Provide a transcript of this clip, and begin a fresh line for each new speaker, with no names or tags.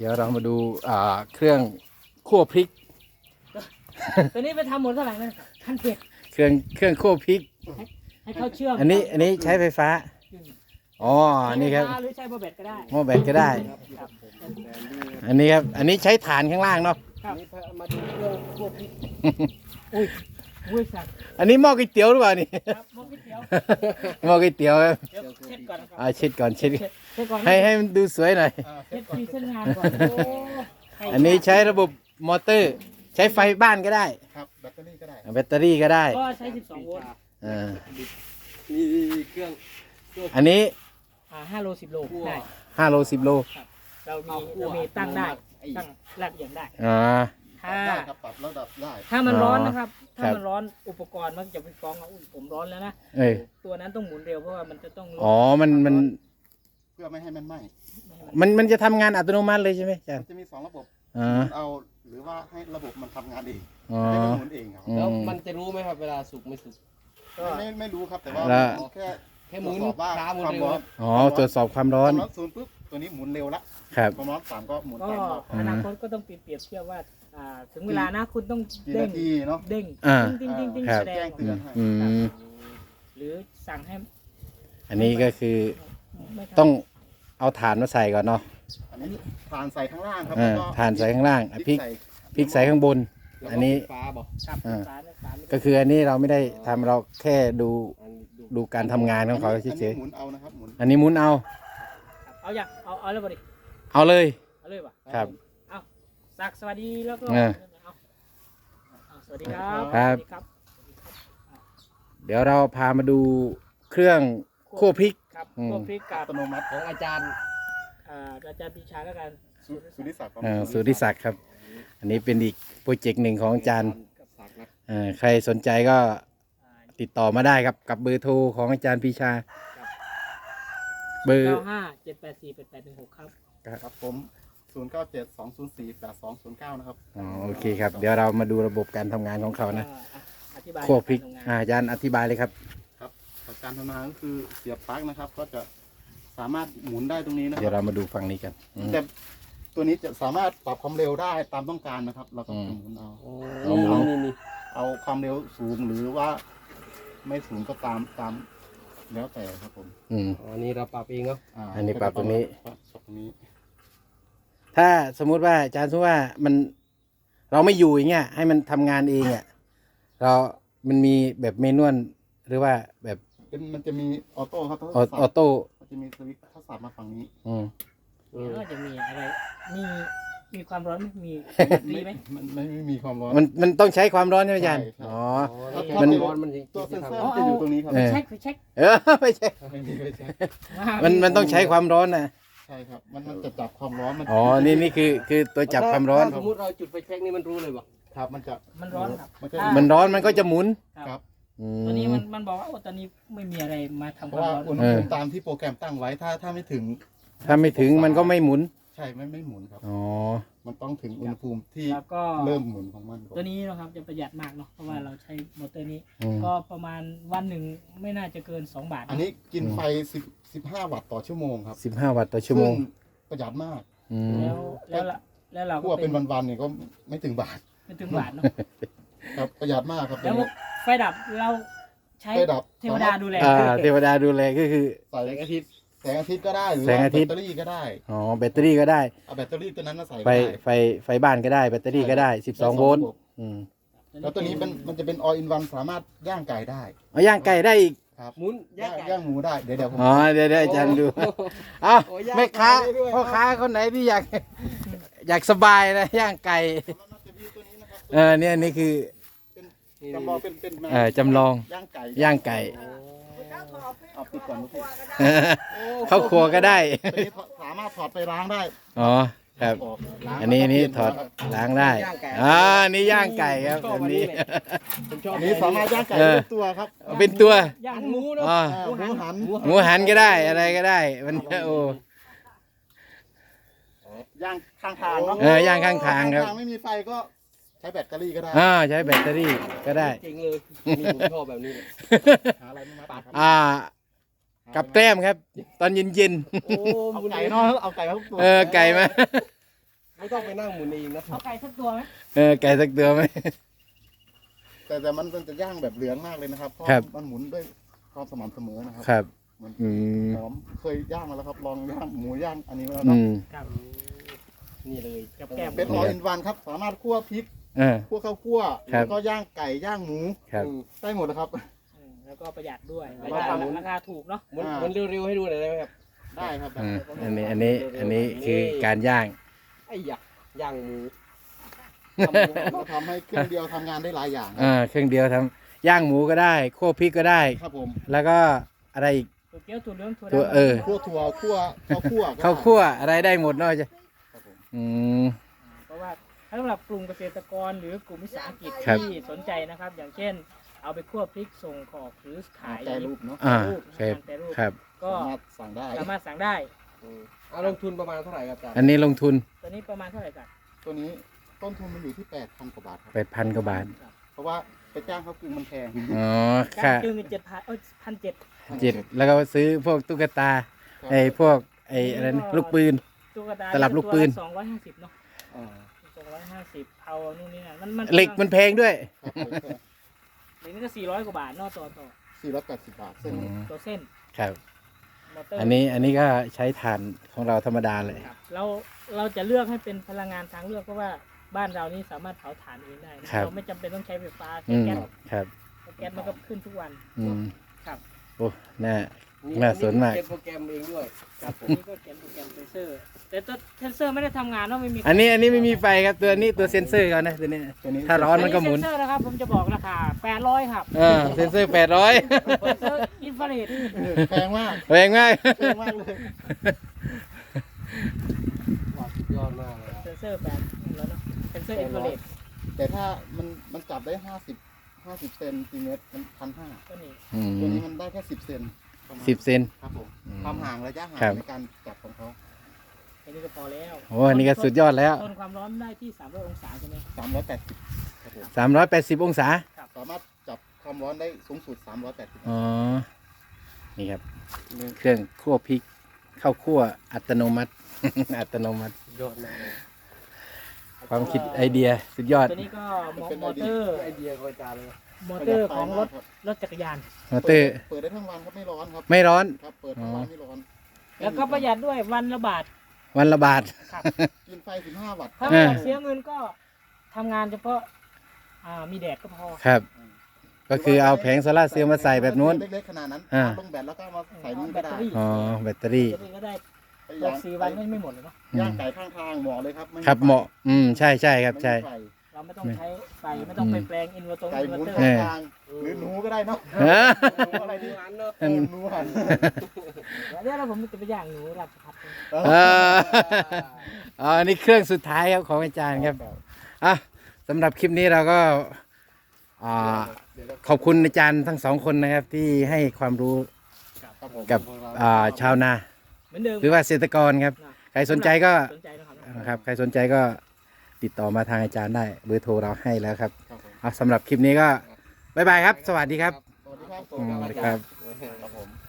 ดี๋ยวเรามาดูเครื่องคั่วพริก
ตัวนี้ไปทำหมดเท่าไหร่นะขั้นเผ็ด
เครื่องคั่วพริก
ให้เขาเชื่อม
อันนี้ใช้ไฟฟ้าอ๋อนี่ครับ
หรือใช้โบเบ็ดก็ได้
หม้อแบตก็ได้
ครับ
อันนี้ครับอันนี้ใช้ฐานข้างล่างเนาะ
ครับ
นี่มาดูเครื่องพวกพริก
อุ้ยอุ้ยสัตว์
อันนี้หม้อก๋วยเตี๋ยวหรือเปล่านี่
ครับหม้อก๋วยเตี๋ยว
หม้อก๋วยเตี๋ยวครับ
เดี๋ยวเช็ดก่อนนะครับ
เช็ดก่อนเช็ด
เช็ดก่อน
ให้มันดูสวยหน่อย
เช็ดพรีเส้นงานก่อนโอ้ใคร
อันนี้ใช้ระบบมอเตอร์ ใช้ไฟบ้านก็ได้
ครับแบตเตอรี่ก็ได้
แบตเตอรี่ก็ได้
ก็ใช้12 โวลต์
อ่า
มีเครื่อง
อันนี้
5 โล 10 โลได้
5 โล 10 โล
เรามีตั้งได้ตั้งแลกอย่างได้
อ่า
ถ้า
ได้ครับปรับระดับได้
ถ้ามันร้อนนะครับ
ครั
ถ้า
บ
มันร้อนอุปกรณ์มันจะไปฟ้องว่าอุ๊ยผมร้อนแล้วนะ
เอ้ย
ตัวนั้นต้องหมุนเร็วเพราะว่ามันจะต้องลด
อ๋อมัน
เพื่อไม่ให้มันไหม้
มันจะทำงานอัตโนมัติเลยใช่ไหมอาจาร
มัน
ย์
จะมี2ระบบ
อ่า
เอาหรือว่าให้ระบบมันทำงานเอง
อ๋อ
ให้มันหมุนเองครับ
อื
แล้ว
ม
มันจะรู้ไหมครับเวลาสุกไม่สุก
ไม่รู้ครับแต่ว่า
แล้ว
แค่
หมุน
ตรวจสอบว่า
ช้าหมุน
ความ
เร็ว
ร้อน
อ๋อตรวจสอบความร้อน
ความร้อนศูนย์ปุ๊บตัวนี้หมุนเร็วละ
ครับ
ความร้อนต่ำก็หมุน
ก็
ตามรอบ
อนาคตก็ต้องเปรียบเทียบว่าถึงเวลานะคุณต้อง
กี่
เด้ง
นาทีเนาะ
เด้ง
อ่า
ติ้งติ้งติ้ง
ครับ
แสด
แจ้
ง
งเตือนให้
อืม
หรือสั่งให้
อันนี้ก็คือ
ไม่ทำ
ต้องเอาถ่านมาใส่ก่อนเนาะ
อันนี้ทานใส่ข้างล่างครับ
อ่า
แล้วก็
ถ่านใส่ข้างล่างพริก
ใส่
พริกใส่ข้างบน อันนี้
ฟ้าบอก
ครับ
อ่า
ฝาเนี่ยฝาไม่
ก็คืออันนี้เราไม่ได้ทำเราแค่ดู
อันนี้ดู
ดูการทำงานของเขา
อัน
เฉ
นี้
ย
หมุนเอานะครับหมุน
ๆอันนี้หมุนเอา
เอาอย่างเอาแล้วบ่ดิ
เอาเลย
เอาเลยป่ะ
ครับ
เอาสักสวัสดีแล้วก็
อ่า
เอาสวัสดีครับ
ครับ
สวัสดีครับ
เดี๋ยวเราพามาดูเครื่องคั่วพริก
ครับ
อืม
พวกพริกกั
อั
บ
ตโนมัติ
ของอาจารย์
อาจารย์ปีชาแล้วกัน
สุริศักดิ์
สุริศักดิ์ครับ อันนี้เป็นอีกโปรเจกต์หนึ่งของอาจารย์
กับศักดิ์นะ
ใครสนใจก็ติดต่อมาได้ครับกับเบอร์โทรของอาจารย์ปีชา เบอร์
95 784 8816ครับ
ครับผม0972048209นะครับ
อ๋อโอเคครับ เดี๋ยวเรามาดูระบบการทำงานของเขานะ
อธิบาย
คั่วพริก
าทำงาน
อาจารย์อธิบายเลยครับ
ครับการทำงานก็คือเสียบปลั๊กนะครับ ก็จะสามารถหมุนได้ตรงนี้นะค
เดี๋ยว
รับ
เรามาดูฝั่งนี้กันอืม
แต่ตัวนี้จะสามารถปรับความเร็วได้ตามต้องการนะครับ เราก็
อืม
หมุนเอา
โอ้
เอาหมุน
นี่
เอาความเร็วสูงหรือว่า ไม่สูงก็ตามแล้วแต่ครับผม
อืม
อันนี้เราปรับเองเนาะ
อันนี้ปรับตรงนี้
ปรับตรงนี้
ถ้าสมมุติว่าอาจารย์สมมติว่ามันเราไม่อยู่อย่างเงี้ยให้มันทำงานเองอ่ะมันมีแบบเมนวลหรือว่าแบบ
มันจะมีออโต้ครับ
ออโต้
มันจะมีสวิตช์ถ้าสับมาฝั่งนี้
อืม
แล้วก็จะมีอะไรมีความร้อนไหมมีมีไหม
มันไม่มีความร้อน
มันต้องใช้ความร้อนใช่ไหมอาจารย์
ใช่
อ๋อ
ถ้า
มัน
ร้อนมัน
ตัวเซ
จะ
น
ทำ
เซอร์มันจะอยู่ตรงนี้ครับ
เออ
เช็คเช็ค
ไม่ใช่
ไม่มีไม่ใช่
มันต้องใช้ความร้อนนะ
ใช่ครับ มันจะจับความร้อนมัน
อ๋อนี่คือตัวจับความร้อน
ถ้สมมติเราจุดไฟแช็กนี่มันรู้เลยบอก
ครับมันจะ
มันร้อนครับ
มันจะ
มันร้อนมันก็จะหมุน
ครับ
อื
ตอนนี้
ม
มันบอกว่าโอ้ตอนนี้ไม่มีอะไรมาทำ
เพ
ค
ราะ
วาม
ว่า
ร้อน
อุณหภูมิตามที่โปรแกรมตั้งไว้ถ้าไม่ถึง
ถ้าไม่ถึงมันก็ไม่หมุน
ใช่ไม่หมุนครับ
อ๋อ
มันต้องถึงอุณหภูมิที่
แล้วก็
เริ่มหมุนของมันก่อน
ตัวนี้นะครับจะประหยัดมากเนาะเพราะว่าเราใช้มอเตอร์นี้
อืม
ก็ประมาณวันหนึ่งไม่น่าจะเกิน2 บาท
อันนี้กินไฟ15 วัตต์ต่อชั่วโมงครับ
15 วัตต์ต่อชั่วโมง
ซึ่ประหยัดมาก
อืม
แล้วเรา
คั่วเป็นวันๆเนี่ยก็ไม่ถึงบาท
ไม่ถึงบาทเนาะ
ครับประหยัดมากครับ
แล้วไฟดับเราใช้
ไฟดับ
เทวดาดูแล
เทวดาดูแลก็คือ
ใส่แสงอาทิตย์ก็ได้หรือ
แสง
ว่า
อาทิตย์
แบตเตอรี่ก็ได้
อ๋อแบตเตอรี่ก็ได้
เอาแบตเตอรี่ตัวนั้นมาใส่ก็
ไฟ
ได้
ไฟบ้านก็ได้แบตเตอรี่ก็ได้12 โวลต์อืม
แล้วตัวนี้มันจะเป็น all in one สามารถย่างไก่ได้
เอาย่างไก่ได้อีก
ครับ
หมุนย่างไก่
ย่างหมูได้เดี๋ยวผม
อ๋อเดี๋ยวอาจารย์ดูเอ้า
โอ้ย่าง
แม่ค้า
ไก่ได้ด้วย
พ่อค้าคนไหนที่อยากสบายนะย่างไก่
มันจะมีตัวนี้นะครับ
เนี่ยนี่คือ
จำลองเป็น
จำลอง
ย่างไก่
ย่างไก่
เอาปิดก่อนลูกพี่
เข้าครัวก็ได้
ตัวนี้สามารถถอดไปล้างได้
อ๋อครับ
ออกล้าง
อันนี้
แล้วก็
นี่
เปลี่ย
ถอด
ครับ
ล้างได้นี่ย่างไก่ครับแบบนี้
ผมชอบ
อันนี้สามารถย่างไก่
เออ
เป็นตัวครับ
เป็นตัว
ย่าง
ห
ห
มู
มู
เนาะ
อ๋อ
หมูหัน
หมูหันก็ได้อะไรก็ได้มันโอ้
ย่างข้างทางเนาะ
ย่างข้างทางครับ
ไม่มีไฟก็ใช้แบตเตอรี่ก็ได้
ใช้แบตเตอรี่ก็ได้
เจ๋งเลยนี่ผมชอบแบบนี้เลย
หาอะไรไม่มาปัดครับ
กับแกล้มครับ ตอนเย็น
โอ้
เอา
หมุน
ไก่เนาะเอาไก่มาทุกตัว
ไก่มา
ไม่ต้องไปนั่งหมุนเองนะ
เอาไก่สักตัวไหม
ไก่สักตัวไหม
แต่มันจะย่างแบบเหลืองมากเลยนะครับเพราะ
ครับ
มันหมุนด้วยความสม่ำเสมอนะครับ
ครับ
มัน
อืม
หอมเคยย่างมาแล้วครับลองย่างหมูย่างอันนี้มาแล้ว
อื
เนาะ
ม
ครับ
นี่เลย
กับแก้ม
เป็นออลอินวันครับสามารถคั่วพริก
อ่า
คั่วข้าวคั่ว
ครับ
แล้วก็ย่างไก่ย่างหมู
ครับ
ได้หมดนะครับ
แล้วก็ประหยัดด้วย
เราทำ
ราคาถูกเนาะ
หมุนเร็วๆให้ดูหน่อยได้ไหมครับ
ได้ครับ
อันนี้คือการย่าง
ไอ้ยะย่างหมู
เราทำให้เครื่องเดียวทำงานได้หลายอย่างครับ
เครื่องเดียวทำย่างหมูก็ได้คั่วพริกก็ได้
ครับผม
แล้วก็อะไรอีก
ถั่วเกี๊ยวถั่วเหลืองถั่ว
ตัว
ดำ
คั่วถั่วคั่วข้าวคั่วก็ได้
ข้าวคั่วอะไรได้หมดเนาะจ้ะ
ครับผม
อืม
เพราะว่าสำหรับกลุ่มเกษตรกรหรือกลุ่มวิสาหกิจ
ครับ
ที่สนใจนะครับ อย่างเช่น เอาไปคั่วพริกส่งขอกหรือขาย
แปรรูปเนาะ
อ่า
รูป
ครับ
แปรรูป
ครับ
ก็
สามารถสั่งได้
สามารถสั่งได้
ลงทุนประมาณเท่าไหร่ครับอาจารย์
อันนี้ลงทุน
ตัวนี้ประมาณเท่าไหร่กัน
ตัวนี้ต้นทุนมันอยู่ที่ 8,000 กว่าบาทครับ
8,000 กว่าบาท
เพราะว่าไปจ้างเขากึ่งมันแพง
อ๋อ
การ
ค่ะ
จึง7,0001,700
7แล้วก็ซื้อพวกตุ๊กตาไอ้พวกไอ้อะไรนะลูกปืน
ตุ๊กตา
ตลับลูกปืน
ตัวละ250เนาะ
อ่า
250เผานู่นนี่นั่นมัน
เหล็กมันแพงด้วย
ครับ
เหล็กนี่ก็400 กว่าบาทเนาะต่อ
480 บาทเส้นนี้
ตัวเส้น
ครับ
มอเตอร์
อันนี้ก็ใช้ถ่านของเราธรรมดาเลย
ครับเราจะเลือกให้เป็นพลังงานทางเลือกเพราะว่าบ้านเรานี่สามารถเผาถ่านเองได้นะครับ เราไม่จำเป็นต้องใช้ไฟฟ้าใช้
อืม
แก๊ส
ครับ
เพราะแก๊สมันก็ขึ้นทุกวัน
อืม
ครับ
โอ้น่า น่าสนมาก
เขียนโปรแกรมเองด้วย
ครับผมนี่ก็เขียนโปรแกรมเซนเซอร์ แต่ตัวเซนเซอร์ไม่ได้ทำงานเนาะไม่มี
อันนี้ไม่มีไฟครับตัวนี้ตัวเซ็นเซอร์เขานะตัวนี้
ตัวนี้
ถ้าร้อนมันก็หมุน
เซนเซอร์นะครับผมจะบอกราคา800ครับ
เซ็นเซอร์800
เซนเซอร์อินฟราเรด
แพงมาก
แพงมาก
แพงมากเลย
สุดยอดมากเลยครับ
เซนเซอร์แบบแล้วเนาะเซนเซอร์อินฟราเรด
แต่ถ้ามันจับได้50เซนติเมตรมัน1,500
ก็นี่
ตัวนี้มันได้แค่10 เซนประมาณ
10 เซน
ครับผม
อืม
ความห่างระยะห่าง
ครับ
ในการจับของเขา
อันนี้ก็พอแล้ว
โอ้อันนี้ก็สุดยอดแล้ว
ทนความร้อนได้ที่300องศาใช่ไหม
380ครับผม
380 องศา
สามารถจับความร้อนได้สูงสุด380
อ๋อ นี่ครับ เครื่องคั่วพริกข้าวคั่วอัตโนมัติ อัตโนมัติ
สุดยอดมากเลย
ความคิดไอเดียสุดยอด
ตัวนี้ก็มอเตอร์
ไอเดียของอาจารย์เลยครับ
มอเตอร์ของรถจักรยาน
มอเตอร์
เปิดได้ทั้งวันครับไม่ร้อนครับ
ไม่ร้อน
ครับเปิดทั้งวันไม่ร้อน
แล้วก็ประหยัดด้วยวันละบาท
วันละบาท
ครับ
กินไฟ15 วัตต์
ถ้าไม่อยากเสียเงินก็ทำงานเฉพาะมีแดดก็พอ
ครับ ก็คือเอาแผงโซล่าร์เซลล์มาใส่แบบนู้น
เล็กๆขนาดนั้น
อ่า
ลงแบตแล้วก็มาใส่นี่
แบ
ก็
ตเต
ได้
อรี่
อ๋อ แบตเตอรี่
แบตเตอรี่ก็ได้
ไป
ตก4 วันก็ไม่หมดเลยเนาะ
ย่างไก่ข้างทางเหมาะเลยครับไ
ครับเหมาะ ใช่ครับ ใช่
ไฟ
เราไม่ต้องใช้ไฟไม่ต้องไปแปลงอินเวอร์ต
ไก่
อิน
ห
เวอ
มุน
ร์เตอร์
ข้างทางหรือหนูก็ได้เนาะ
เออ
หนูอะไรดี
ร้านเนอะ
หนูหัน
เดี๋ยวเราผมจะไปย่างหนูราชพัฒน์
อันนี้เครื่องสุดท้ายครับของอาจารย์ครับอ่ะสำหรับคลิปนี้เราก็อ่าขอบคุณอาจารย์ทั้งสองคนนะครับ ที่ให้ความรู้
ครับผม
กับชาวนา
เหมือนเดิม
หรือว่าเกษตรกรครับ ใครสนใจก็
สนใจนะครับ
นะครับ ใครสนใจก็ติดต่อมาทางอาจารย์ได้ เบอร์โทรเราให้แล้วครับ
ครับผม
เอาสำหรับคลิปนี้ก็บ๊ายบายครับ สวัสดีครับ
สวัสดีครับ
สวัสดีครับ
ครับผม